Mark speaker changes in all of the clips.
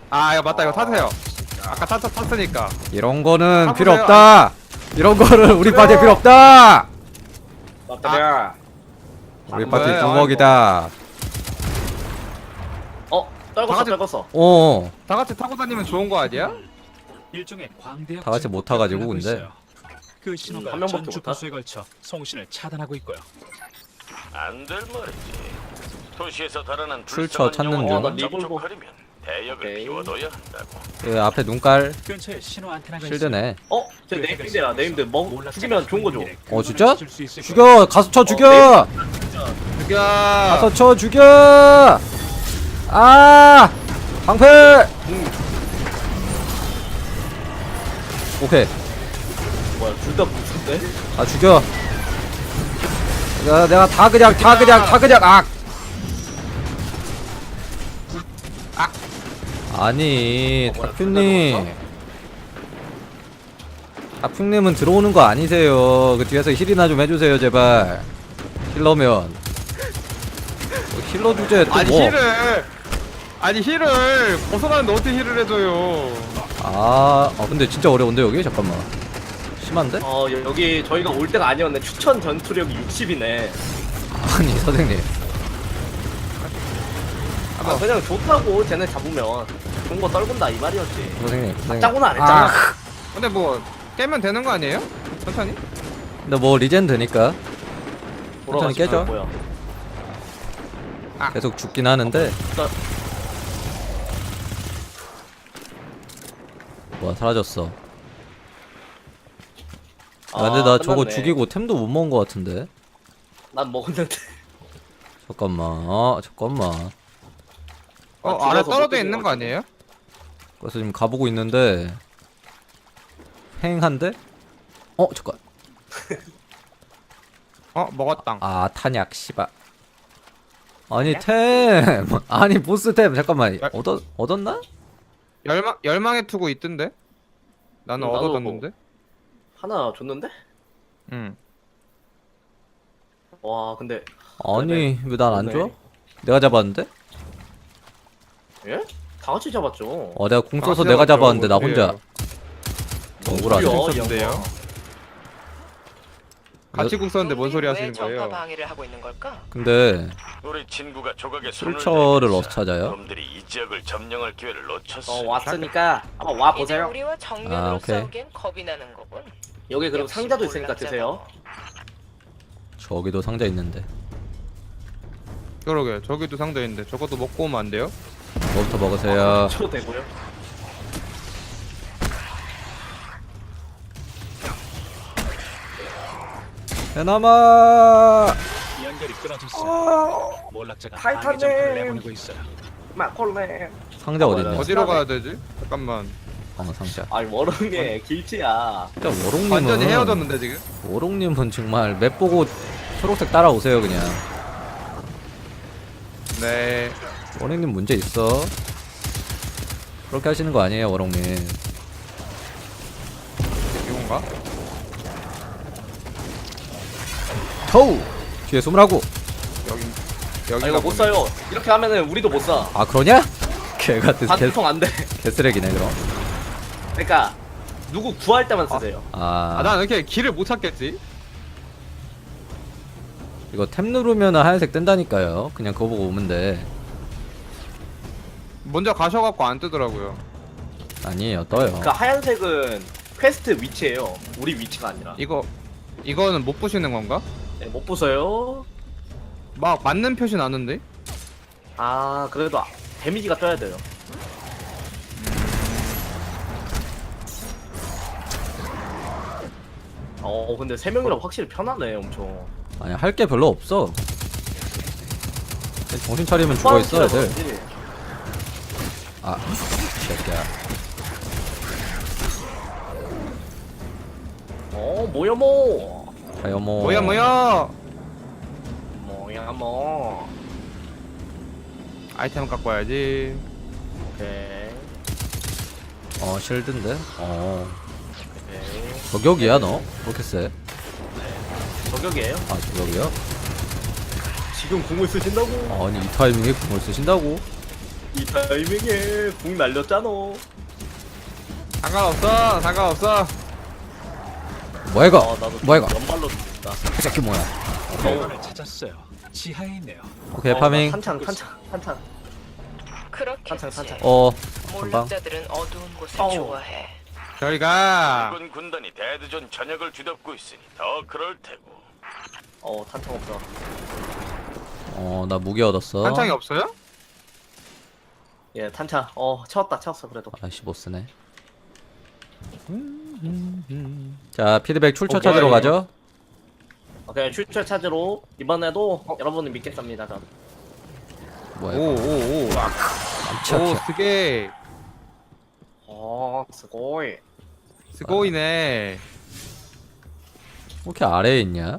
Speaker 1: 아 이거 맞다 이거 타세요. 아까 탔으니까.
Speaker 2: 이런 거는
Speaker 1: 타보세요.
Speaker 2: 필요 없다. 이런 거는 우리 파티에 필요 없다.
Speaker 3: 맞다야.
Speaker 2: 우리
Speaker 1: 안
Speaker 2: 파티
Speaker 1: 돼,
Speaker 2: 두먹이다.
Speaker 3: 떨궜어
Speaker 1: 다
Speaker 3: 떨궜어.
Speaker 2: 어.
Speaker 1: 다 같이 타고 다니면 좋은 거 아니야?
Speaker 4: 일종의 광대역
Speaker 2: 다 같이 못 타가지고,
Speaker 4: 접근하고
Speaker 2: 근데.
Speaker 4: 있어요. 그 신호가
Speaker 3: 한 명밖에
Speaker 4: 전주
Speaker 3: 못 타?
Speaker 4: 부수에 걸쳐 송신을 차단하고 있고요.
Speaker 5: 안 될 말이지. 도시에서 달아난
Speaker 2: 출처 찾는 중.
Speaker 3: 나
Speaker 5: 이쪽하려면 대역을
Speaker 3: 오케이.
Speaker 5: 비워둬야 한다고.
Speaker 2: 그 앞에 눈깔
Speaker 4: 근처에 신호 안테나가
Speaker 2: 실드네.
Speaker 3: 제 네임드야. 네임드 죽이면 좋은 거죠.
Speaker 2: 어, 진짜?
Speaker 4: 죽여.
Speaker 2: 죽여. 가서 쳐 죽여.
Speaker 1: 죽여.
Speaker 2: 가서 쳐 죽여. 아. 방패. 오케이.
Speaker 3: 뭐야 둘 다 부수인데?
Speaker 2: 아 죽여. 내가 다 그냥 아니
Speaker 3: 뭐야,
Speaker 2: 다큐님 다큐님은 들어오는 거 아니세요. 그 뒤에서 힐이나 좀 해주세요 제발. 힐러면 힐러 주제 또
Speaker 1: 아니
Speaker 2: 뭐.
Speaker 1: 힐을 벗어나는데 어떻게 힐을 해줘요?
Speaker 2: 근데 진짜 어려운데 여기 잠깐만. 심한데?
Speaker 3: 여기 저희가 올 때가 아니었네. 추천 전투력이 60이네.
Speaker 2: 아니 선생님.
Speaker 3: 그냥 좋다고 쟤네 잡으면 좋은 거 떨군다 이 말이었지.
Speaker 2: 선생님.
Speaker 3: 짜고는 안 했잖아.
Speaker 1: 근데 뭐 깨면 되는 거 아니에요? 천천히?
Speaker 2: 근데 뭐 리젠 되니까
Speaker 3: 돌아가지
Speaker 2: 깨져.
Speaker 3: 말고요.
Speaker 2: 계속 죽긴 하는데. 뭐야 사라졌어. 근데 나 저거
Speaker 3: 끝났네.
Speaker 2: 죽이고 템도 못 먹은 거 같은데.
Speaker 3: 난 먹었는데.
Speaker 2: 잠깐만.
Speaker 1: 아래
Speaker 3: 죽어서
Speaker 1: 떨어져
Speaker 3: 못
Speaker 1: 있는 거 아니에요?
Speaker 2: 그래서 지금 가보고 있는데 횡한데? 잠깐.
Speaker 1: 먹었당.
Speaker 2: 탄약 씨발. 아니 템. 아니 보스 템 잠깐만. 얻었나?
Speaker 1: 열망의 투구 있던데? 나는
Speaker 3: 나도
Speaker 1: 얻어뒀는데?
Speaker 3: 하나 줬는데?
Speaker 1: 응.
Speaker 3: 와 근데
Speaker 2: 아니 왜 난 안 줘?
Speaker 3: 그러네.
Speaker 2: 내가 잡았는데?
Speaker 3: 예? 다 같이 잡았죠.
Speaker 2: 내가 궁 써서 내가 잡았는데 나 혼자. 억울하네.
Speaker 3: 소리야, 이
Speaker 1: 있었는데요?
Speaker 3: 양반.
Speaker 1: 같이 국 썼는데 뭔 소리 하시는
Speaker 6: 전파
Speaker 1: 거예요?
Speaker 6: 방해를 하고 있는 걸까?
Speaker 2: 근데
Speaker 5: 우리 친구가 조각에 손을
Speaker 2: 출처를
Speaker 5: 대고
Speaker 2: 어디서
Speaker 5: 있어.
Speaker 2: 찾아요?
Speaker 5: 놈들이 이 지역을 점령할 기회를 놓쳤어.
Speaker 3: 왔으니까 한번 와
Speaker 6: 이제
Speaker 3: 보세요.
Speaker 6: 우리와 정면으로
Speaker 2: 오케이.
Speaker 6: 싸우기엔 겁이 나는 거군.
Speaker 3: 여기 그리고
Speaker 6: 역시
Speaker 3: 상자도 있으니까
Speaker 6: 몰락자다.
Speaker 3: 드세요.
Speaker 2: 저기도 상자 있는데.
Speaker 1: 그러게 저기도 상자 있는데 저것도 먹고 오면 안 돼요?
Speaker 2: 뭐부터 먹으세요?
Speaker 3: 쳐도 되고요.
Speaker 2: 해남아.
Speaker 4: 연결이 끊어졌어요. 몰락자가 방해
Speaker 3: 타이탄님!
Speaker 4: 전파를 내보내고 있어요.
Speaker 3: 마콜레.
Speaker 2: 상자 어디 있냐?
Speaker 1: 어디로 가야 되지? 잠깐만.
Speaker 2: 상자.
Speaker 3: 아니 워렁에 길치야.
Speaker 2: 진짜 워롱님은
Speaker 1: 완전히 헤어졌는데 지금?
Speaker 2: 워롱님은 정말 맵 보고 초록색 따라오세요 그냥.
Speaker 1: 네.
Speaker 2: 워롱님 문제 있어. 그렇게 하시는 거 아니에요 워롱님.
Speaker 1: 이건가?
Speaker 2: 터우. 뒤에 숨으라고.
Speaker 1: 여기가
Speaker 3: 이거 못 사요. 이렇게 하면은 우리도 못 사.
Speaker 2: 아 그러냐? 개같은
Speaker 3: 반통 안 돼.
Speaker 2: 개쓰레기네 그럼.
Speaker 3: 그러니까 누구 구할 때만 쓰세요.
Speaker 1: 난 이렇게 길을 못 찾겠지?
Speaker 2: 이거 탭 누르면 하얀색 뜬다니까요. 그냥 그거 보고 오면 돼.
Speaker 1: 먼저 가셔갖고 안 뜨더라고요.
Speaker 2: 아니에요 떠요.
Speaker 3: 그 하얀색은 퀘스트 위치예요. 우리 위치가 아니라.
Speaker 1: 이거는 못 부시는 건가?
Speaker 3: 네, 못 보세요.
Speaker 1: 막 맞는 표시 나는데?
Speaker 3: 그래도 데미지가 떠야 돼요. 근데 세 명이라 확실히 편하네, 엄청.
Speaker 2: 아니 할 게 별로 없어. 정신 차리면 죽어 있어 애들. 새끼야.
Speaker 3: 뭐야 뭐.
Speaker 2: 아유 뭐.
Speaker 1: 뭐야
Speaker 3: 뭐야 뭐.
Speaker 1: 아이템 갖고 와야지.
Speaker 3: 오케이.
Speaker 2: 실드인데.
Speaker 3: 오케이.
Speaker 2: 저격이야 너? 그렇게 세?
Speaker 3: 저격이에요?
Speaker 2: 저격이야?
Speaker 3: 지금 궁을 쓰신다고?
Speaker 2: 아니 이 타이밍에 궁을 쓰신다고?
Speaker 3: 이 타이밍에 궁 날렸잖아.
Speaker 1: 상관없어 상관없어.
Speaker 2: 뭐야 이거?
Speaker 3: 나도
Speaker 2: 뭐야 이거?
Speaker 3: 연발로 죽다.
Speaker 2: 이 새끼 뭐야?
Speaker 4: 공간을 찾았어요. 지하에 있네요.
Speaker 2: 오케이 파밍.
Speaker 3: 탄창.
Speaker 6: 그렇겠지.
Speaker 3: 탄창.
Speaker 2: 전방.
Speaker 6: 몰락자들은 어두운 곳을
Speaker 3: 어우.
Speaker 6: 좋아해.
Speaker 1: 저희가
Speaker 5: 붉은 군단이 데드존 전역을 뒤덮고 있으니 더 그럴 테고.
Speaker 3: 탄창 없어.
Speaker 2: 나 무기 얻었어.
Speaker 1: 탄창이 없어요?
Speaker 3: 예, 탄창. 채웠어 그래도.
Speaker 2: 아씨 못 쓰네. 자 피드백 출처
Speaker 3: 오케이.
Speaker 2: 찾으러 가죠.
Speaker 3: 오케이, 출처 찾으러 이번에도 여러분을 믿겠습니다. 전.
Speaker 2: 뭐야 이거?
Speaker 1: 오오오. 오
Speaker 2: 깜짝이야.
Speaker 1: 스게
Speaker 3: 스고이.
Speaker 1: 스고이네.
Speaker 2: 왜 이렇게 아래에 있냐?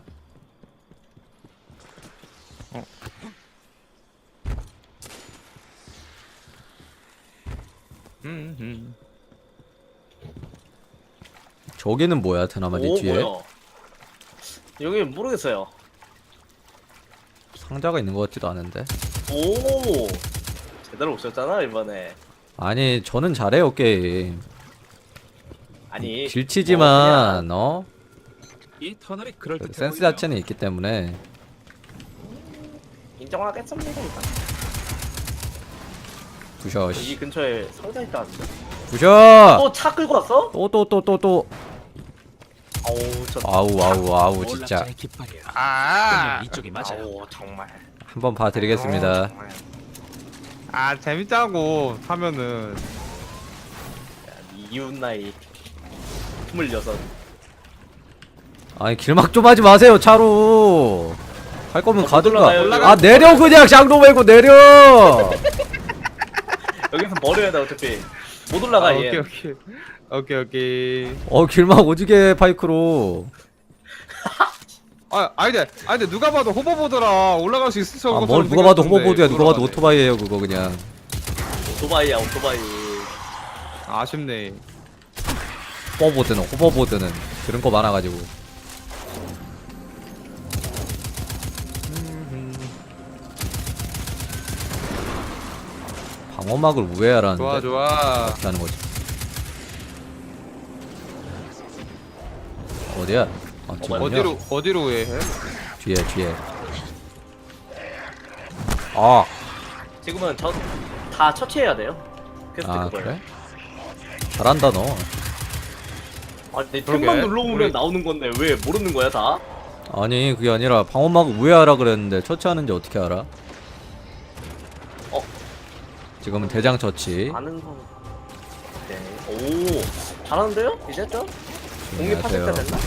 Speaker 2: 저기는 뭐야 드나마지 뒤에?
Speaker 3: 뭐야? 여기 모르겠어요.
Speaker 2: 상자가 있는 것 같지도 않은데.
Speaker 3: 오, 제대로 오셨잖아 이번에.
Speaker 2: 아니 저는 잘해요 게임.
Speaker 3: 아니
Speaker 2: 길치지만
Speaker 4: 이 터널이 그럴 듯해
Speaker 2: 센스
Speaker 4: 보이네요.
Speaker 2: 자체는 있기 때문에.
Speaker 3: 인정하겠습니다. 일단.
Speaker 2: 부셔.
Speaker 3: 이 근처에 상자 있다는데.
Speaker 2: 부셔.
Speaker 3: 또 차 끌고 왔어?
Speaker 2: 또.
Speaker 3: 어우 저.
Speaker 2: 아우 진짜.
Speaker 4: 몰락자의 깃발이에요.
Speaker 1: 아.
Speaker 4: 분명 이쪽이 맞아요.
Speaker 3: 아우 정말.
Speaker 2: 한번 봐드리겠습니다.
Speaker 1: 정말. 아 재밌자고 하면은
Speaker 3: 이웃 나이 26.
Speaker 2: 아니 길막 좀 하지 마세요 차로. 할 거면 가든가.
Speaker 3: 올라가요.
Speaker 2: 아 내려 그냥 장로 말고 내려.
Speaker 3: 여기서 버려야 돼 어차피. 못 올라가
Speaker 1: 아,
Speaker 3: 얘.
Speaker 1: 오케이.
Speaker 2: 길막 오지게 파이크로.
Speaker 1: 아니 누가 봐도 호버보드라 올라갈 수 있을 수 없는
Speaker 2: 뭘
Speaker 1: 것처럼
Speaker 2: 누가 봐도
Speaker 1: 생겼는데
Speaker 2: 호버보드야. 누가 봐도
Speaker 1: 돌아가네.
Speaker 2: 오토바이예요 그거 그냥.
Speaker 3: 오토바이야 오토바이.
Speaker 1: 아쉽네.
Speaker 2: 호버보드는 그런 거 많아가지고. 방어막을 우회하라는데.
Speaker 1: 좋아.
Speaker 2: 어떻게 하는 거지? 어디야? 지금요?
Speaker 1: 어디로 해?
Speaker 2: 뒤에. 아
Speaker 3: 지금은 다 처치해야 돼요. 그래서 그걸.
Speaker 2: 그래? 잘한다 너.
Speaker 3: 아니
Speaker 1: 그러게.
Speaker 3: 틈만 눌러보면
Speaker 1: 우리-
Speaker 3: 나오는 건데 왜 모르는 거야 다?
Speaker 2: 아니 그게 아니라 방어막 우회하라 그랬는데 처치하는지 어떻게 알아? 지금은 대장 처치.
Speaker 3: 아는 거. 네. 오 잘하는데요? 이제 좀 공립하실 때
Speaker 2: 안녕하세요.
Speaker 3: 됐나?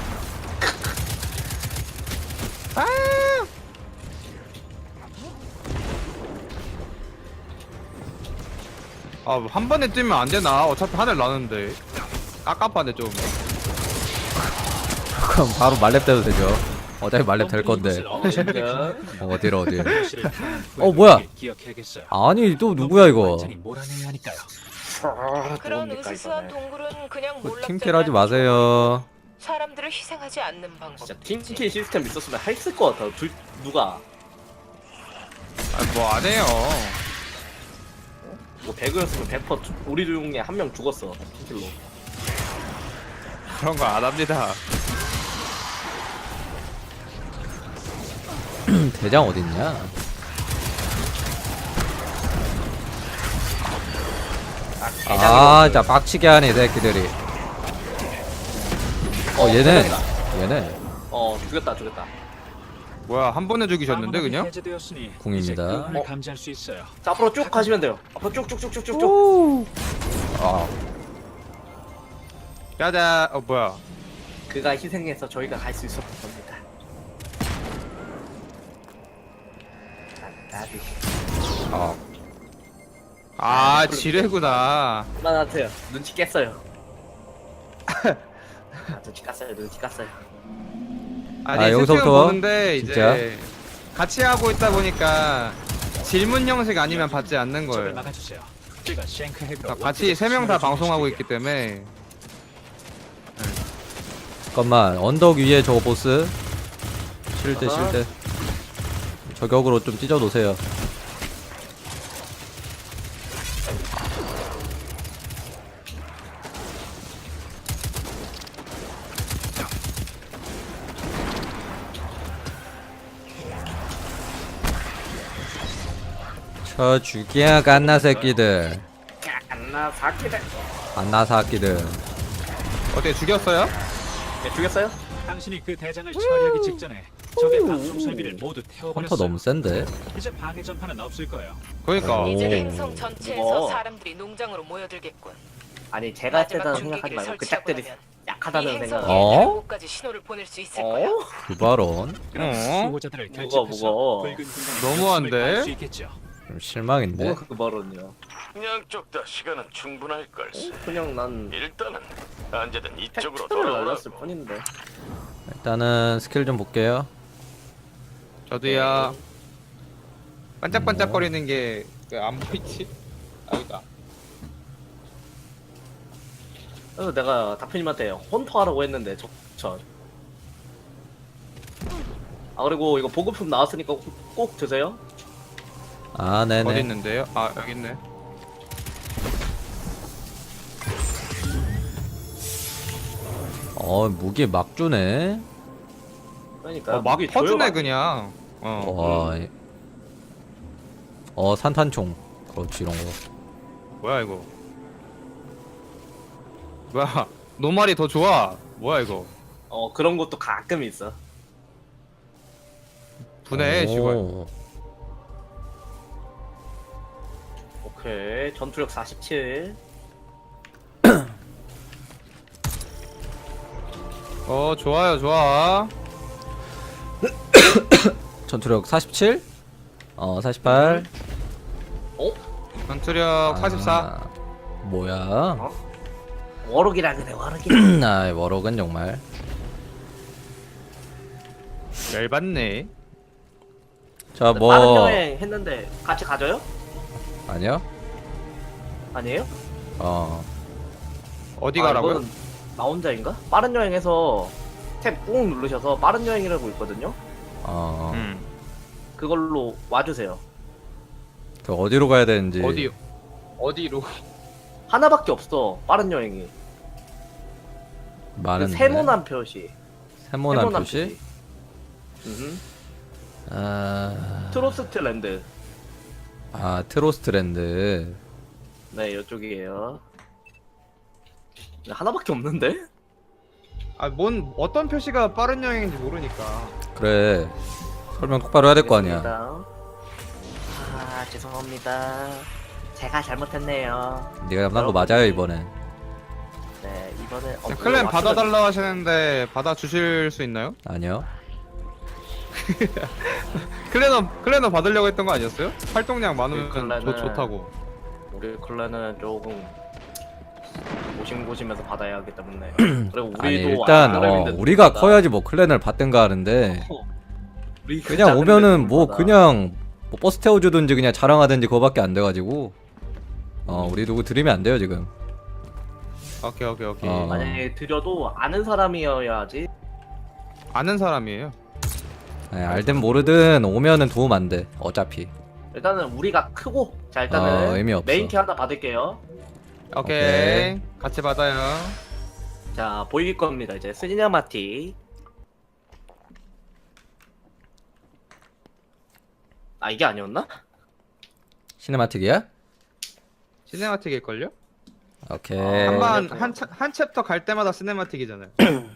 Speaker 1: 한 번에 뛰면 안 되나? 어차피 하늘 나는데. 깝깝하네 좀.
Speaker 2: 그럼 바로 말렙 돼도 되죠. 어차피 말렙 될 건데.
Speaker 4: 이곳을 언젠가
Speaker 2: 어디로 어디.
Speaker 4: 현실을
Speaker 2: 뭐야?
Speaker 4: 기억해야겠어요.
Speaker 2: 아니 또 누구야 이거?
Speaker 4: 완전히 몰아내야 하니까요.
Speaker 6: 그런
Speaker 3: 뭡니까,
Speaker 6: 으스스한
Speaker 3: 이거는.
Speaker 6: 동굴은 그냥 몰락자가
Speaker 2: 팀킬 하지 마세요.
Speaker 6: 사람들을 희생하지 않는 방법.
Speaker 3: 진짜 팀킬 시스템 있었으면 했을 것 같아. 누가
Speaker 1: 뭐 안 해요.
Speaker 3: 뭐 배그였으면 100% 우리 중에 한 명 죽었어 팀킬로.
Speaker 1: 그런 거 안 합니다.
Speaker 2: 대장 어딨냐? 진짜 빡치게 하네 이 새끼들이. 얘네
Speaker 3: 죽였다.
Speaker 1: 뭐야 한 번에 죽이셨는데
Speaker 4: 방어막이
Speaker 1: 그냥?
Speaker 4: 해제되었으니
Speaker 2: 궁입니다.
Speaker 4: 이제 그분을 감지할 수 있어요.
Speaker 3: 자 앞으로 쭉 가시면 돼요. 앞으로 쭉쭉쭉쭉쭉.
Speaker 1: 짜자. 뭐야?
Speaker 3: 그가 희생해서 저희가 갈 수 있었던 겁니다. 나비.
Speaker 1: 지뢰구나.
Speaker 3: 그만하세요. 눈치 깼어요. 눈치 깠어요.
Speaker 1: 아니
Speaker 2: 여기서부터
Speaker 1: 세팅은 보는데
Speaker 2: 진짜?
Speaker 1: 이제 같이 하고 있다 보니까 질문 형식 아니면 받지 않는
Speaker 4: 적을
Speaker 1: 거예요.
Speaker 4: 막아주세요. 제가 쉔크 핵으로
Speaker 1: 같이 3명 다 방송하고 있기 때문에.
Speaker 2: 잠깐만 언덕 위에 저거 보스. 실드. 저격으로 좀 찢어 놓으세요. 쳐 죽여 갓나 새끼들.
Speaker 3: 안나 사키다.
Speaker 2: 갓나 새끼들.
Speaker 1: 어떻게 죽였어요?
Speaker 3: 네, 죽였어요?
Speaker 4: 당신이 그 대장을 처리하기 직전에 적의 방송 설비를 모두
Speaker 2: 헌터
Speaker 4: 태워버렸어요.
Speaker 2: 너무 센데.
Speaker 4: 이제 방해 전파는 없을 거예요.
Speaker 1: 그러니까
Speaker 2: 오.
Speaker 6: 이제 행성 전체에서
Speaker 3: 무거워.
Speaker 6: 사람들이 농장으로 모여들겠군.
Speaker 3: 아니 제가
Speaker 6: 마지막
Speaker 3: 했다는
Speaker 6: 중계기를
Speaker 3: 생각하지 말고 그
Speaker 6: 설치하고
Speaker 3: 짝들이
Speaker 6: 나면 이
Speaker 3: 약하다는
Speaker 6: 행성에
Speaker 3: 생각.
Speaker 2: 어?
Speaker 6: 대목까지 신호를 보낼 수 있을 거야.
Speaker 2: 그 발언
Speaker 4: 그럼
Speaker 1: 어?
Speaker 4: 수호자들을
Speaker 3: 무거워,
Speaker 4: 결집해서
Speaker 3: 무거워.
Speaker 4: 붉은 공간에
Speaker 1: 너무한데?
Speaker 4: 목숨을 걸수 있겠죠.
Speaker 2: 좀 실망인데.
Speaker 3: 뭐가 그 발언이야?
Speaker 5: 양쪽 다 시간은 충분할 걸세.
Speaker 3: 그냥 난
Speaker 5: 일단은 언제든 이쪽으로
Speaker 3: 팩트를
Speaker 5: 돌아오라고.
Speaker 3: 날렸을 뿐인데.
Speaker 2: 일단은 스킬 좀 볼게요.
Speaker 1: 저도야 반짝반짝거리는 게 안 보이지? 아 여기다.
Speaker 3: 그래서 내가 다프님한테 헌터 하라고 했는데 전. 아 그리고 이거 보급품 나왔으니까 꼭 드세요.
Speaker 2: 아
Speaker 1: 어디
Speaker 2: 네네.
Speaker 1: 있는데요? 아 여기 있네.
Speaker 2: 무기 막 주네.
Speaker 3: 그러니까
Speaker 1: 막
Speaker 3: 무기
Speaker 1: 퍼주네
Speaker 3: 조여가지고.
Speaker 1: 그냥.
Speaker 2: 산탄총. 그렇지 이런 거.
Speaker 1: 뭐야 이거? 뭐야? 노말이 더 좋아. 뭐야 이거?
Speaker 3: 그런 것도 가끔 있어.
Speaker 1: 분해 씨발.
Speaker 3: 오케이 전투력 47.
Speaker 1: 좋아요 좋아.
Speaker 2: 전투력 47. 48.
Speaker 1: 전투력 44.
Speaker 2: 아, 뭐야?
Speaker 3: 워록이라 그래 워록이.
Speaker 2: 아 워럭은 정말.
Speaker 1: 열받네.
Speaker 2: 자
Speaker 3: 다른
Speaker 2: 뭐
Speaker 3: 여행 했는데 같이 가져요?
Speaker 2: 아니요?
Speaker 3: 아니에요?
Speaker 1: 어디
Speaker 3: 아,
Speaker 1: 가라고요?
Speaker 3: 이거는 나 혼자인가? 빠른 여행에서 탭 꾹 누르셔서 빠른 여행이라고 있거든요. 그걸로 와주세요.
Speaker 2: 그 어디로 가야 되는지.
Speaker 1: 어디로?
Speaker 3: 하나밖에 없어 빠른 여행이. 그
Speaker 2: 많은데.
Speaker 3: 세모난 표시.
Speaker 2: 세모난 표시?
Speaker 3: 트로스트 랜드.
Speaker 2: 트로스트랜드.
Speaker 3: 네 이쪽이에요. 하나밖에 없는데?
Speaker 1: 어떤 표시가 빠른 여행인지 모르니까.
Speaker 2: 그래. 설명 똑바로 해야 될 거 아니야.
Speaker 3: 죄송합니다. 제가 잘못했네요.
Speaker 2: 네가 잡는 거 맞아요 이번엔.
Speaker 3: 네 이번에
Speaker 1: 클랜 받아달라 하시는데 받아주실 수 있나요?
Speaker 2: 아니요.
Speaker 1: 클랜은 받으려고 했던 거 아니었어요? 활동량 많으면
Speaker 3: 클랜은-
Speaker 1: 좋다고.
Speaker 3: 우리 클랜은 조금 고심고심해서 받아야 하기 때문에. 그리고 우리도
Speaker 2: 아니 일단
Speaker 3: 아르민들
Speaker 2: 우리가
Speaker 3: 받아.
Speaker 2: 커야지 뭐 클랜을 받든가 하는데
Speaker 3: 우리
Speaker 2: 그냥
Speaker 3: 작은
Speaker 2: 오면은 뭐
Speaker 3: 데들
Speaker 2: 그냥 뭐 버스 태워주든지 그냥 자랑하든지 그거밖에 안 돼가지고 우리 누구 드리면 안 돼요 지금.
Speaker 1: 오케이.
Speaker 3: 만약에 드려도 아는 사람이어야지.
Speaker 1: 아는 사람이에요.
Speaker 2: 알든 모르든 오면은 도움 안 돼. 어차피.
Speaker 3: 일단은 우리가 크고 자 일단은
Speaker 2: 의미 없어.
Speaker 3: 메인키 하나 받을게요.
Speaker 1: 오케이. 같이 받아요.
Speaker 3: 자 보일 겁니다. 이제 스니냐마티. 아 이게 아니었나?
Speaker 2: 시네마틱이야?
Speaker 1: 시네마틱일걸요?
Speaker 2: 오케이.
Speaker 1: 한 챕터 갈 때마다 시네마틱이잖아요.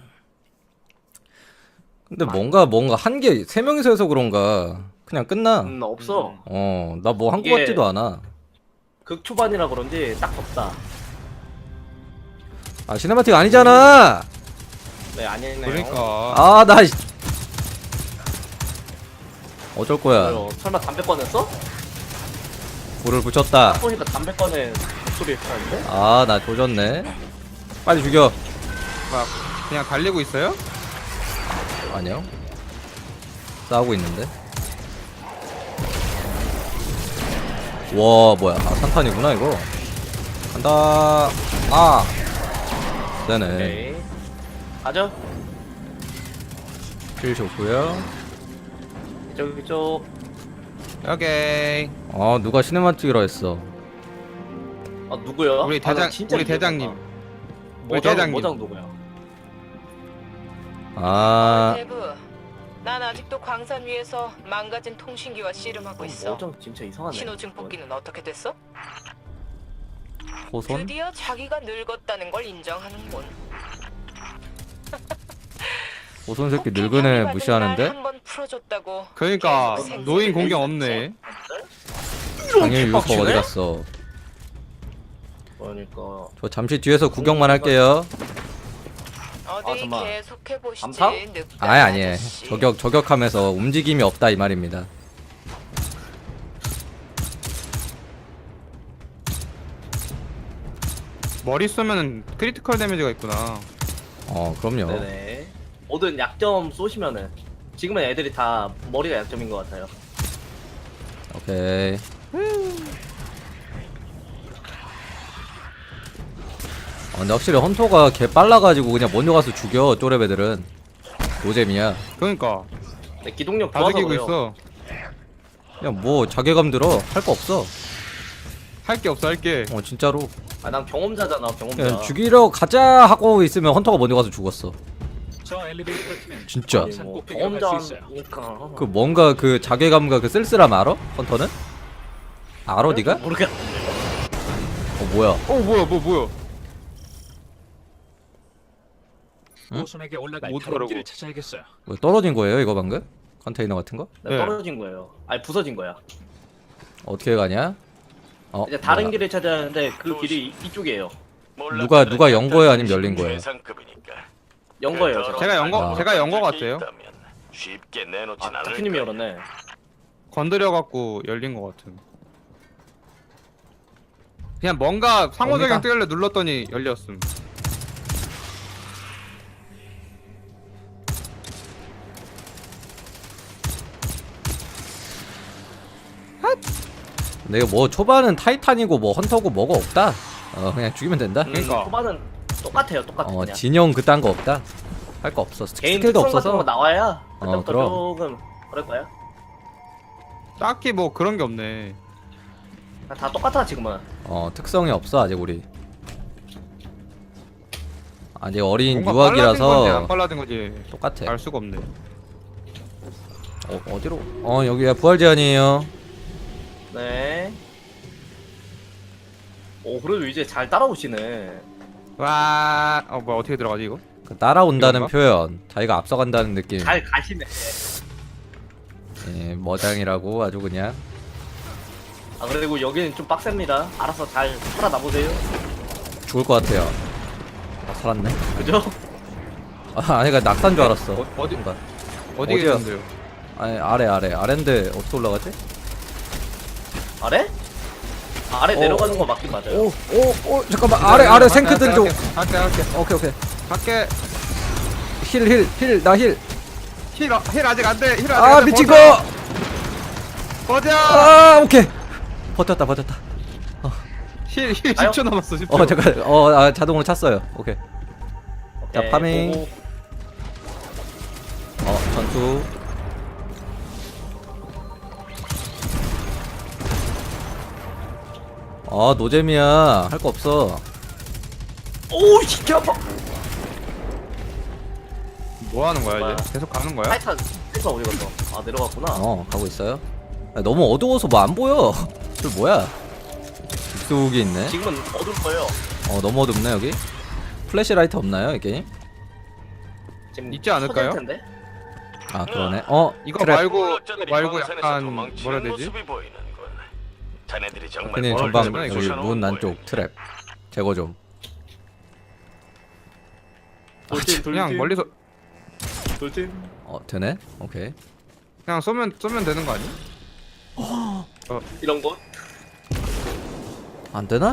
Speaker 2: 근데 뭔가 한 개 세 명이서 해서 그런가 그냥 끝나.
Speaker 3: 없어.
Speaker 2: 나 뭐 한 거
Speaker 3: 이게-
Speaker 2: 같지도 않아.
Speaker 3: 극 초반이라 그런지 딱 덥다.
Speaker 2: 시네마틱 아니잖아.
Speaker 3: 네 아니네요.
Speaker 1: 그러니까.
Speaker 2: 나 어쩔 거야.
Speaker 3: 설마 담배 꺼냈어?
Speaker 2: 불을 붙였다.
Speaker 3: 보니까 담배 꺼낸 소리 했는데?
Speaker 2: 나 조졌네. 빨리 죽여.
Speaker 1: 막 그냥 달리고 있어요?
Speaker 2: 아니요. 싸우고 있는데. 와 뭐야? 산탄이구나 이거. 간다. 되네.
Speaker 3: 오케이. 가죠.
Speaker 2: 킬 좋고요.
Speaker 3: 이쪽.
Speaker 1: 오케이.
Speaker 2: 누가 시네마틱이라 했어.
Speaker 3: 누구야?
Speaker 1: 우리
Speaker 3: 나
Speaker 1: 대장
Speaker 3: 진짜
Speaker 1: 우리
Speaker 3: 기억 안
Speaker 1: 대장님.
Speaker 3: 나.
Speaker 1: 우리 대장님.
Speaker 3: 모장 누구야?
Speaker 6: 대부 난 아직도 광산 위에서 망가진 통신기와 씨름하고 있어.
Speaker 3: 어쩜 진짜 이상하네.
Speaker 6: 신호증 뽑기는 어떻게 됐어?
Speaker 2: 호손?
Speaker 6: 드디어 자기가 늙었다는 걸 인정하는군.
Speaker 2: 호손 새끼 늙은 애 무시하는데?
Speaker 6: 한번 풀어줬다고.
Speaker 1: 그러니까
Speaker 6: 계속 생색을
Speaker 1: 노인 공격
Speaker 6: 냈었지.
Speaker 1: 없네.
Speaker 2: 당연히 유서
Speaker 3: 빡치네?
Speaker 2: 어디 갔어?
Speaker 3: 그러니까
Speaker 2: 저 잠시 뒤에서 구경만 할게요.
Speaker 6: 어디
Speaker 3: 잠깐만.
Speaker 6: 계속해 보시지.
Speaker 3: 암사?
Speaker 2: 아예 아니에요. 저격하면서 움직임이 없다 이 말입니다.
Speaker 1: 머리 쏘면은 크리티컬 데미지가 있구나.
Speaker 2: 그럼요.
Speaker 3: 네네. 모든 약점 쏘시면은 지금은 애들이 다 머리가 약점인 것 같아요.
Speaker 2: 오케이. 근데 확실히 헌터가 개 빨라가지고 그냥 먼저 가서 죽여 쪼레배들은. 노잼이야.
Speaker 1: 그러니까
Speaker 3: 근데 기동력
Speaker 1: 다
Speaker 3: 좋아서
Speaker 1: 죽이고
Speaker 3: 그래요.
Speaker 1: 있어.
Speaker 2: 그냥 뭐 자괴감 들어. 할 거 없어.
Speaker 1: 할 게 없어 할 게.
Speaker 2: 진짜로.
Speaker 3: 난 경험자잖아 경험자.
Speaker 2: 그냥 죽이러 가자 하고 있으면 헌터가 먼저 가서 죽었어.
Speaker 4: 저 엘리베이터 타면
Speaker 2: 진짜.
Speaker 3: 아니, 뭐 경험자니까.
Speaker 2: 그 뭔가 그 자괴감과 그 쓸쓸함 알아? 헌터는? 알아 니가?
Speaker 3: 모르겠.
Speaker 2: 뭐야?
Speaker 1: 뭐야?
Speaker 2: 응?
Speaker 4: 호손에게 올라갈
Speaker 1: 못 하라고.
Speaker 4: 탈옥기를 찾아야겠어요.
Speaker 2: 뭐 떨어진 거예요 이거 방금? 컨테이너 같은 거?
Speaker 3: 네,
Speaker 1: 네.
Speaker 3: 떨어진 거예요. 아니 부서진 거야.
Speaker 2: 어떻게 가냐?
Speaker 3: 이제 다른
Speaker 2: 뭐야.
Speaker 3: 길을 찾아야 하는데 그 길이 이쪽이에요.
Speaker 2: 누가 연 거예요, 아니면 열린 거예요?
Speaker 5: 최상급이니까.
Speaker 3: 연 거예요 제가.
Speaker 1: 제가 연 거 같아요.
Speaker 5: 쉽게 내놓진 않을
Speaker 3: 타키님이
Speaker 5: 거야.
Speaker 3: 열었네.
Speaker 1: 건드려 갖고 열린 것 같은. 그냥 뭔가 상호작용
Speaker 2: 뭡니까?
Speaker 1: 뜨길래 눌렀더니 열렸음.
Speaker 2: 근데 이거 뭐 초반은 타이탄이고 뭐 헌터고 뭐가 없다. 그냥 죽이면 된다.
Speaker 1: 그러니까.
Speaker 3: 초반은 똑같아요 똑같아 그냥.
Speaker 2: 진영 그딴 거 없다. 할 거 없어.
Speaker 3: 개인
Speaker 2: 스킬도
Speaker 3: 특성 같은 거
Speaker 2: 없어서.
Speaker 3: 나와야 그때부터
Speaker 2: 그럼.
Speaker 3: 조금 그럴 거야.
Speaker 1: 딱히 뭐 그런 게 없네.
Speaker 3: 다 똑같아 지금은.
Speaker 2: 특성이 없어 아직 우리. 아직 어린
Speaker 1: 뭔가 빨라진 건지 안
Speaker 2: 유학이라서
Speaker 1: 빨라진 건지
Speaker 2: 똑같아.
Speaker 1: 알 수가 없네.
Speaker 2: 어디로? 여기야 부활 제한이에요.
Speaker 3: 네. 오 그래도 이제 잘 따라오시네.
Speaker 1: 와, 뭐야 어떻게 들어가지 이거?
Speaker 2: 그 따라온다는
Speaker 1: 이건가?
Speaker 2: 표현, 자기가 앞서간다는 느낌.
Speaker 3: 잘 가시네.
Speaker 2: 예, 머장이라고 아주 그냥.
Speaker 3: 아 그리고 여기는 좀 빡셉니다. 알아서 잘 살아남으세요.
Speaker 2: 죽을 것 같아요. 살았네.
Speaker 3: 그죠?
Speaker 2: 아니, 그 낙산 줄 알았어.
Speaker 1: 어디
Speaker 2: 뭔가.
Speaker 1: 어디
Speaker 2: 어디야?
Speaker 1: 계신데요?
Speaker 2: 아니, 아래인데 어떻게 올라가지?
Speaker 3: 아래? 아래 내려가는 거 맞긴 맞아요.
Speaker 2: 잠깐만. 아래 생크들 좀.
Speaker 1: 갈게.
Speaker 2: 오케이.
Speaker 1: 갈게.
Speaker 2: 힐, 나 힐.
Speaker 1: 힐 아직 안 돼. 힐 아직
Speaker 2: 아,
Speaker 1: 안 돼.
Speaker 2: 미친 거.
Speaker 1: 버텨.
Speaker 2: 오케이. 버텼다.
Speaker 1: 힐
Speaker 3: 아요?
Speaker 1: 10초 남았어. 10초.
Speaker 2: 잠깐. 자동으로 찼어요. 오케이. 자,
Speaker 3: 오케이,
Speaker 2: 파밍.
Speaker 3: 보고.
Speaker 2: 전투. 노잼이야. 할 거 없어.
Speaker 3: 오우 시켜 아파.
Speaker 1: 뭐 하는 거야
Speaker 3: 뭐야?
Speaker 1: 이제? 계속 가는 거야?
Speaker 3: 타이탄 타이탄 어디 갔어? 아 내려갔구나.
Speaker 2: 가고 있어요. 너무 어두워서 뭐 안 보여. 저 뭐야? 쑥이 있네.
Speaker 3: 지금은 어두울 거예요.
Speaker 2: 너무 어둡네 여기. 플래시라이트 없나요 이 게임?
Speaker 3: 지금
Speaker 1: 있지 않을까요?
Speaker 3: 터질 텐데?
Speaker 2: 아 그러네.
Speaker 1: 이거
Speaker 2: 트랩.
Speaker 1: 말고 약간 뭐라 해야 되지?
Speaker 5: 모습이 보이는군. 자네들이 정말
Speaker 2: 그냥
Speaker 1: 뭐라
Speaker 2: 전방
Speaker 1: 그러지?
Speaker 2: 여기
Speaker 5: 쫓아놓은
Speaker 2: 문
Speaker 5: 거야.
Speaker 2: 안쪽 트랩 제거 좀.
Speaker 3: 돌진
Speaker 1: 그냥 멀리서
Speaker 3: 돌진.
Speaker 2: 되네. 오케이.
Speaker 1: 그냥 쏘면 되는 거 아니야?
Speaker 3: 이런 거?
Speaker 2: 안 되나?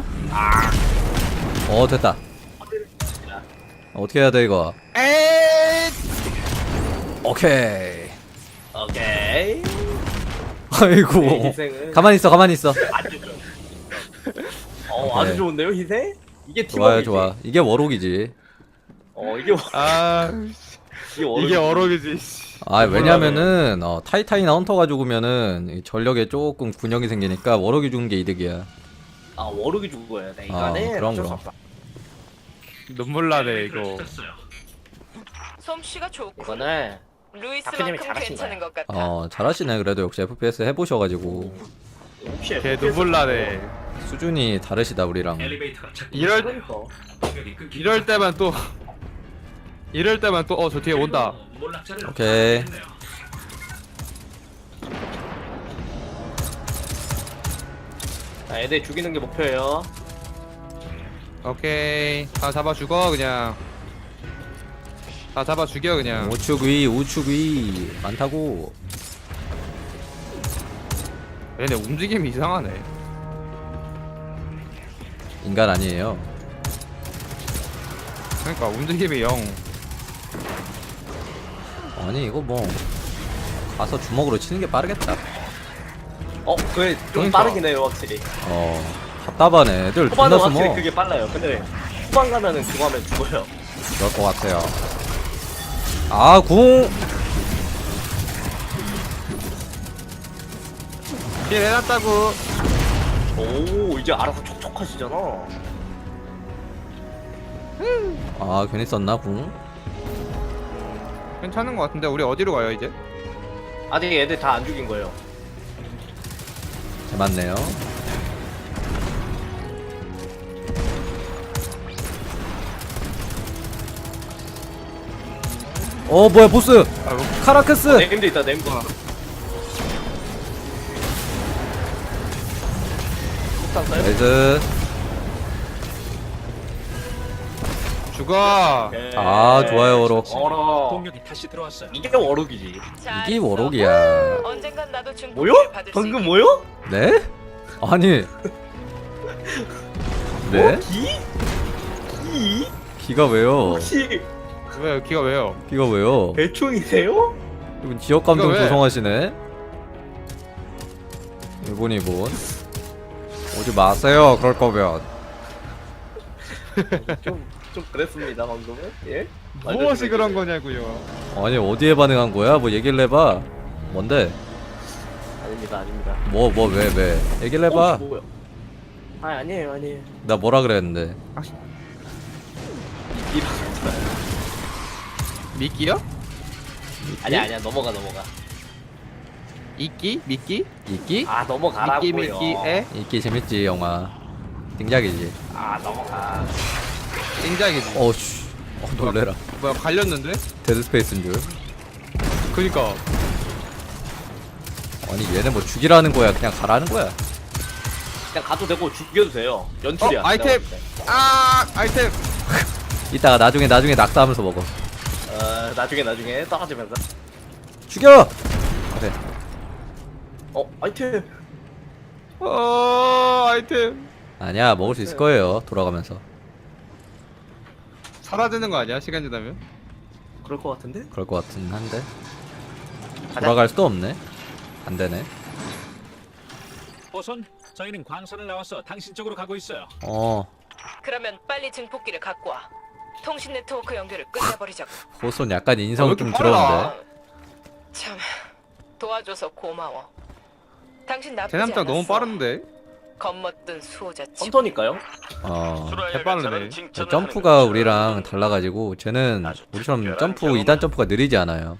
Speaker 2: 됐다. 어떻게 해야 돼 이거?
Speaker 1: 에이!
Speaker 2: 오케이.
Speaker 3: 오케이.
Speaker 2: 아이고.
Speaker 3: 내 희생은
Speaker 2: 가만히 있어.
Speaker 3: 아주
Speaker 2: 오케이.
Speaker 3: 좋은데요 희생? 이게
Speaker 2: 좋아요
Speaker 3: 팀워크이지.
Speaker 2: 좋아. 이게 워록이지.
Speaker 3: 이게
Speaker 1: 아, 이게 어록이지.
Speaker 2: 왜냐면은 타이탄이나 헌터가 죽으면은 이 전력에 조금 균형이 생기니까 워록이 죽는 게 이득이야.
Speaker 3: 워룩이 죽어야 돼. 이거는
Speaker 2: 그럼,
Speaker 3: 어쩔 수
Speaker 2: 그럼.
Speaker 3: 없다.
Speaker 1: 눈물 나네 이거.
Speaker 6: 솜씨가 좋고.
Speaker 3: 이거는 다크님이
Speaker 6: 루이스만큼
Speaker 3: 잘하신
Speaker 6: 괜찮은 것 같아.
Speaker 2: 잘하시네. 그래도 역시 FPS 해보셔가지고
Speaker 3: 혹시
Speaker 1: 걔 눈물나네.
Speaker 2: 수준이 다르시다 우리랑.
Speaker 4: 엘리베이터가 자꾸
Speaker 1: 이럴
Speaker 3: 그러니까
Speaker 4: 충격이 끊기고
Speaker 1: 이럴 때만 또 저 뒤에 온다.
Speaker 4: 몰락자를
Speaker 2: 오케이.
Speaker 4: 발견했네요.
Speaker 3: 자, 애들 죽이는 게 목표예요.
Speaker 1: 오케이. 다 잡아 죽어 그냥. 다 잡아 죽여 그냥.
Speaker 2: 우측 위 우측 위 많다고.
Speaker 1: 얘네 움직임이 이상하네.
Speaker 2: 인간 아니에요.
Speaker 1: 그러니까 움직임이 영.
Speaker 2: 아니 이거 뭐 가서 주먹으로 치는 게 빠르겠다.
Speaker 3: 그게 좀
Speaker 1: 그러니까.
Speaker 3: 빠르긴 해요 확실히.
Speaker 2: 답답하네. 애들 존나
Speaker 3: 초반은 확실히
Speaker 2: 숨어.
Speaker 3: 그게 빨라요. 근데 후반 가면은 그거 하면 죽어요.
Speaker 2: 그럴 것 같아요. 아, 궁!
Speaker 1: 길 해놨다고.
Speaker 3: 오 이제 알아서 촉촉하시잖아.
Speaker 2: 아, 괜히 썼나, 궁?
Speaker 1: 괜찮은 것 같은데 우리 어디로 가요 이제?
Speaker 3: 아직 애들 다 안 죽인 거예요.
Speaker 2: 맞네요. 뭐야, 보스! 카라크스!
Speaker 3: 네임도 있다 네임도. 폭탄 써요?
Speaker 2: 나이스.
Speaker 1: 죽어.
Speaker 3: 오케이.
Speaker 2: 좋아요, 워록.
Speaker 3: 어라.
Speaker 4: 공격이 다시 들어왔어요.
Speaker 3: 이게 워록이지.
Speaker 6: 잘했어.
Speaker 2: 이게 워록이야.
Speaker 6: 언젠간 나도
Speaker 3: 뭐요?
Speaker 6: 중국을 받을 수
Speaker 3: 방금
Speaker 6: 있게.
Speaker 3: 뭐요?
Speaker 2: 네? 아니. 네?
Speaker 3: 기?
Speaker 2: 기가 왜요?
Speaker 3: 혹시
Speaker 1: 왜 기가 왜요?
Speaker 2: 기가 왜요?
Speaker 3: 대충이세요?
Speaker 2: 이분 지역 감정
Speaker 1: 이거 왜?
Speaker 2: 조성하시네. 이분 오지 마세요. 그럴 거면.
Speaker 3: 좀 그랬습니다 방금은. 예?
Speaker 1: 무엇이 그런 거냐고요.
Speaker 2: 아니 어디에 반응한 거야? 뭐 얘기를 해봐. 뭔데?
Speaker 3: 아닙니다 아닙니다.
Speaker 2: 왜? 얘기를 해봐.
Speaker 3: 뭐야? 아니에요.
Speaker 2: 나 뭐라 그랬는데?
Speaker 1: 미끼요?
Speaker 3: 아니야 넘어가.
Speaker 1: 이끼? 미끼?
Speaker 2: 이끼?
Speaker 3: 아 넘어가라고요.
Speaker 1: 미끼
Speaker 2: 이끼 재밌지 영화. 등작이지.
Speaker 3: 아 넘어가.
Speaker 1: 띵작이지.
Speaker 2: 어씨. 놀래라.
Speaker 1: 뭐야 갈렸는데?
Speaker 2: 데드스페이스인 줄.
Speaker 1: 그니까.
Speaker 2: 아니 얘네 뭐 죽이라는 거야? 그냥 가라는 거야?
Speaker 3: 그냥 가도 되고 죽여도 돼요. 연출이야.
Speaker 1: 아이템.
Speaker 3: 내가 봤을 때.
Speaker 1: 아이템.
Speaker 2: 이따가 나중에 낙사하면서 먹어.
Speaker 3: 나중에 떨어지면서.
Speaker 2: 죽여! 그래.
Speaker 3: 아이템.
Speaker 1: 아이템.
Speaker 2: 아니야 먹을 수 있을 거예요. 돌아가면서.
Speaker 1: 사라지는 거 아니야 시간 지나면?
Speaker 3: 그럴 것 같은데?
Speaker 2: 그럴 것 같긴 한데. 돌아갈 수도 없네. 안 되네.
Speaker 4: 보선, 저희는 광선을 나와서 당신 쪽으로 가고 있어요.
Speaker 6: 그러면 빨리 증폭기를 갖고 와. 통신 네트워크 연결을 끝내버리자고.
Speaker 2: 호손 약간 인성이
Speaker 1: 왜 이렇게
Speaker 2: 좀
Speaker 1: 빨라?
Speaker 2: 들어온데.
Speaker 6: 참 도와줘서 고마워. 당신 나쁘지
Speaker 1: 대남장
Speaker 6: 않았어.
Speaker 1: 너무 빠른데?
Speaker 6: 겉멋든 수호자 치.
Speaker 3: 헌터니까요?
Speaker 5: 수라엘가
Speaker 1: 개빠르네.
Speaker 5: 저를 칭찬을
Speaker 2: 점프가
Speaker 5: 하는 것처럼
Speaker 2: 우리랑 달라가지고 쟤는 우리처럼 점프 2단 점프가 느리지 않아요.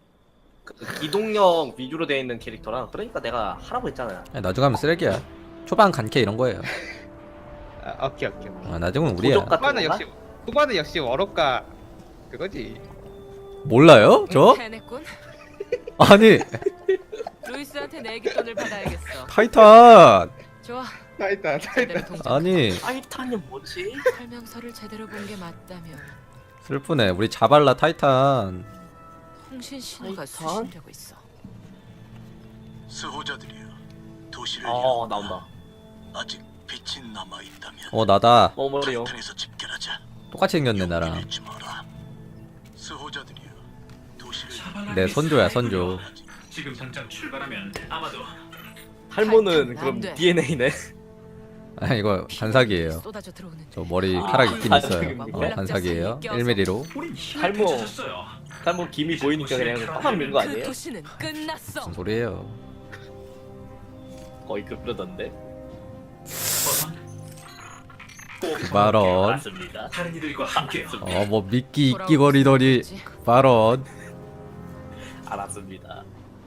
Speaker 3: 기동력 위주로 되어 있는 캐릭터라. 그러니까 내가 하라고 했잖아요.
Speaker 2: 아니, 나중에 하면 쓰레기야. 초반 간캐 이런 거예요.
Speaker 1: 오케이.
Speaker 2: 나중은 우리야.
Speaker 3: 도적 같은 건가?
Speaker 1: 후반은 역시 워럭가 그거지.
Speaker 2: 몰라요? 저?
Speaker 6: 해냈군.
Speaker 2: 아니
Speaker 6: 루이스한테 내기돈을 받아야겠어.
Speaker 2: 타이탄.
Speaker 6: 좋아.
Speaker 1: 타이탄.
Speaker 6: 제대로 통장.
Speaker 2: 아니
Speaker 3: 타이탄이 뭐지?
Speaker 6: 설명서를 제대로 본 게 맞다면
Speaker 2: 슬프네. 우리 자발라 타이탄.
Speaker 6: 통신 신호가
Speaker 3: 타이탄?
Speaker 6: 수신되고 있어.
Speaker 5: 수호자들이여, 도시를
Speaker 3: 나온다.
Speaker 5: 아직 빛이 남아 있다면
Speaker 2: 나다.
Speaker 3: 머리요.
Speaker 5: 타이탄에서 집결하자.
Speaker 2: 똑같이 생겼네 나랑.
Speaker 5: 잃지 마라. 수호자들이여, 도시를
Speaker 2: 내 선조야 선조.
Speaker 4: 지금 당장 출발하면 아마도
Speaker 3: 탈모는
Speaker 6: 안
Speaker 3: 그럼
Speaker 6: 돼.
Speaker 3: DNA네.
Speaker 2: 아 이거 반사기예요.
Speaker 6: 쏟아져 들어오는.
Speaker 2: 저 머리카락 있긴 있어요.
Speaker 3: 반사기입니까?
Speaker 2: 반사기예요. 1mm로.
Speaker 4: 우린 힘을
Speaker 3: 탈모.
Speaker 4: 되찾았어요.
Speaker 3: 탈모 김이 보이니까 그냥 빡빡 민거
Speaker 6: 그
Speaker 3: 아니에요?
Speaker 6: 도시는 끝났어.
Speaker 2: 무슨 소리예요?
Speaker 3: 거의 그러던데.
Speaker 4: 보선,
Speaker 2: 발언.
Speaker 3: 맞습니다.
Speaker 4: 다른 이들과 함께요.
Speaker 2: 뭐 미끼 이끼거리더니 발언.
Speaker 3: 알았습니다.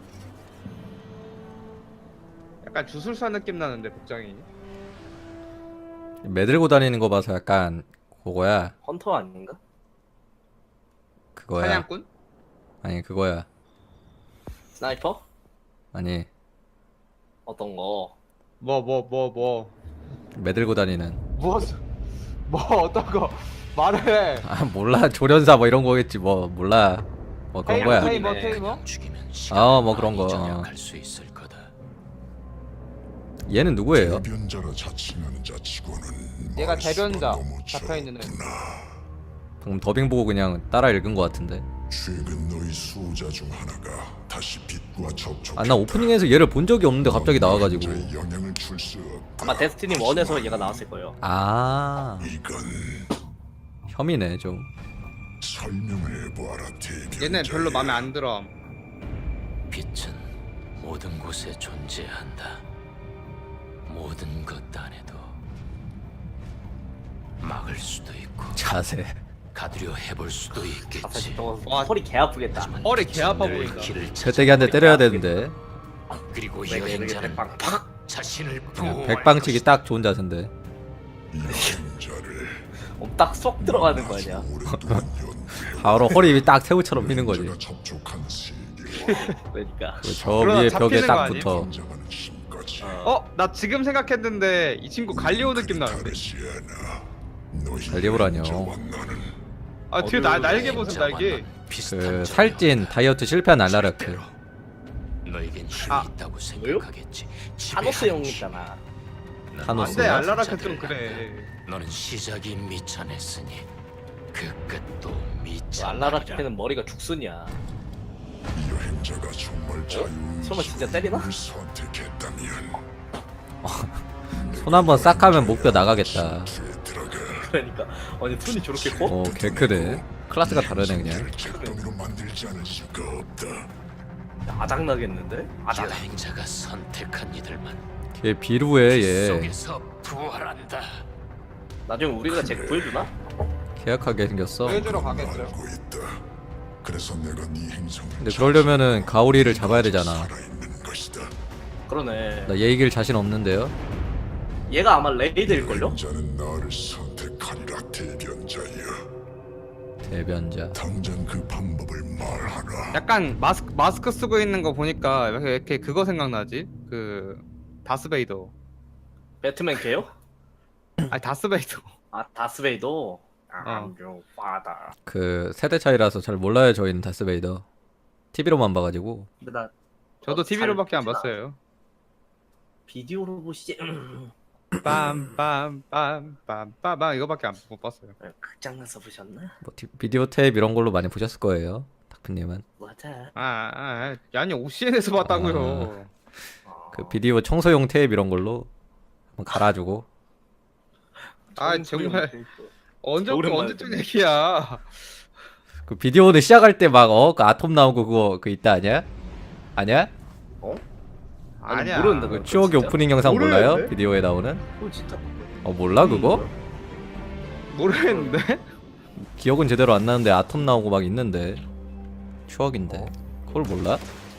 Speaker 1: 약간 주술사 느낌 나는데 복장이.
Speaker 2: 매들고 다니는 거 봐서 약간 그거야.
Speaker 3: 헌터 아닌가?
Speaker 2: 그거야.
Speaker 1: 사냥꾼?
Speaker 2: 아니 그거야.
Speaker 3: 스나이퍼?
Speaker 2: 아니
Speaker 3: 어떤 거?
Speaker 1: 뭐
Speaker 2: 매들고 다니는.
Speaker 1: 어떤 거 말해.
Speaker 2: 아 몰라 조련사 뭐 이런 거겠지 뭐 몰라. 뭐 그런 거야.
Speaker 1: 테이머?
Speaker 2: 뭐 그런 거.
Speaker 4: 수 있을 거다.
Speaker 2: 얘는 누구예요?
Speaker 7: 대변자라 자칭하는 자치고는
Speaker 1: 얘가
Speaker 7: 말수가
Speaker 1: 대변자
Speaker 7: 너무
Speaker 1: 잡혀있는 애.
Speaker 7: 적구나.
Speaker 2: 방금 더빙 보고 그냥 따라 읽은 거 같은데.
Speaker 7: 최근 너희 수호자 중 하나가 다시 빛과 접촉.
Speaker 2: 아 나 오프닝에서 얘를 본 적이 없는데 갑자기 나와가지고.
Speaker 7: 영향을 줄 수 없다.
Speaker 3: 아마 데스티니 1에서 얘가 나왔을 거예요.
Speaker 2: 아
Speaker 7: 이건
Speaker 2: 혐이네 좀.
Speaker 7: 설명을 해보아라 대변자.
Speaker 1: 얘네 별로 마음에 안 들어.
Speaker 4: 빛은 모든 곳에 존재한다. 모든 것 안에도 막을 수도 있고
Speaker 2: 자세.
Speaker 4: 가두려 해볼 수도
Speaker 3: 아싸
Speaker 4: 있겠지.
Speaker 3: 저거
Speaker 1: 와.
Speaker 3: 허리 개 아프겠다.
Speaker 1: 허리 개 아파
Speaker 4: 늘
Speaker 1: 보인다.
Speaker 4: 길을
Speaker 2: 패대기 한 대 때려야 되는데.
Speaker 4: 그리고
Speaker 3: 왜 이렇게
Speaker 4: 여행자는
Speaker 3: 빵 팍?
Speaker 4: 자신을
Speaker 2: 그냥
Speaker 4: 보호할
Speaker 2: 백방치기
Speaker 4: 것이다.
Speaker 2: 딱 좋은 자세인데.
Speaker 7: 여행자를
Speaker 3: 딱쏙 들어가는 거 아니야?
Speaker 7: 오랫동안 연구해.
Speaker 2: 바로 허리 딱 새우처럼 휘는 거지.
Speaker 7: 여행자가 접촉한 세계와
Speaker 3: 그러니까.
Speaker 2: 저
Speaker 1: 그러다
Speaker 2: 위에 벽에
Speaker 1: 잡히는 거
Speaker 2: 딱
Speaker 1: 아니에요?
Speaker 2: 붙어.
Speaker 7: 긴장하는 힘까지.
Speaker 1: 나 지금 생각했는데 이 친구 갈리오 느낌 나는데.
Speaker 7: 다르지 않아. 너희
Speaker 2: 갈리오라뇨.
Speaker 7: 여행자와 나는
Speaker 1: 아 뒤에 날개 보세요 날개.
Speaker 2: 그 살찐 다이어트 실패한 알라르크.
Speaker 4: 너에겐 힘이
Speaker 1: 아.
Speaker 4: 있다고 생각하겠지.
Speaker 3: 타노스 형 있잖아.
Speaker 2: 타노스.
Speaker 1: 안돼 알라라카 좀 그래.
Speaker 4: 너는 시작이 미천했으니 그 끝도 미천.
Speaker 3: 알라라테는 머리가 죽순이야.
Speaker 7: 이 여행자가 정말 자유의식을
Speaker 3: 설마 진짜 때리나?
Speaker 7: 선택했다면
Speaker 2: 손 한번 싹 하면 목뼈 나가겠다.
Speaker 7: 뒤에 들어가.
Speaker 3: 그러니까 아니 손이 저렇게 커?
Speaker 2: 어 개크네. 클래스가 다르네 그냥.
Speaker 7: 잿더미로 만들지 않을 수가 없다.
Speaker 3: 아작 나겠는데? 아작.
Speaker 4: 여행자가 선택한 이들만
Speaker 2: 걔 비루해 얘.
Speaker 4: 속에서 부활한다.
Speaker 3: 나중에 우리가 쟤 구해주나?
Speaker 2: 계약하게 생겼어.
Speaker 1: 보여주러 가겠죠.
Speaker 7: 알고 있다. 그래서 내가 네 행성을
Speaker 2: 근데 그러려면은 가오리를 잡아야 되잖아.
Speaker 7: 살아있는 것이다.
Speaker 3: 그러네.
Speaker 2: 나 얘 이길 자신 없는데요.
Speaker 3: 얘가 아마 레이드일걸요?
Speaker 7: 여행자는 나를 선택하리라 대변자야.
Speaker 2: 대변자.
Speaker 7: 당장 그 방법을 말하라.
Speaker 1: 약간 마스크 쓰고 있는 거 보니까 왜 이렇게 그거 생각나지? 그 다스베이더.
Speaker 3: 배트맨 걔요?
Speaker 1: 아니 다스베이더.
Speaker 3: 아 다스베이더?
Speaker 1: 어.
Speaker 3: I'm father.
Speaker 2: 그 세대 차이라서 잘 몰라요 저희는 다스베이더. TV로만 봐가지고.
Speaker 3: 근데 나
Speaker 1: 저도 TV로밖에 안
Speaker 3: 잘
Speaker 1: 봤어요.
Speaker 3: 비디오로 보시지.
Speaker 1: 빰빰빰빰빰빰 이거밖에 못 봤어요.
Speaker 3: 극장에서 보셨나?
Speaker 2: 뭐 비디오 테이프 이런 걸로 많이 보셨을 거예요. 다크님은.
Speaker 3: 맞아.
Speaker 1: 아니 OCN에서 봤다고요.
Speaker 2: 그 비디오 청소용 테이프 이런 걸로 한번 갈아주고.
Speaker 1: 정말 언제부터
Speaker 3: 오랜만에
Speaker 1: 언제쯤
Speaker 3: 듣네.
Speaker 1: 얘기야.
Speaker 2: 그 비디오는 시작할 때 막 그 아톰 나오고 그거 그 있다 아니야? 아니야?
Speaker 1: 아니야.
Speaker 3: 모르는데
Speaker 2: 그
Speaker 3: 그거
Speaker 2: 추억의
Speaker 3: 진짜?
Speaker 2: 오프닝 영상 몰라요?
Speaker 1: 모르는데?
Speaker 2: 비디오에 나오는?
Speaker 3: 그거 진짜
Speaker 2: 몰라 그거?
Speaker 1: 모르겠는데.
Speaker 2: 기억은 제대로 안 나는데 아톰 나오고 막 있는데 추억인데 그걸 몰라?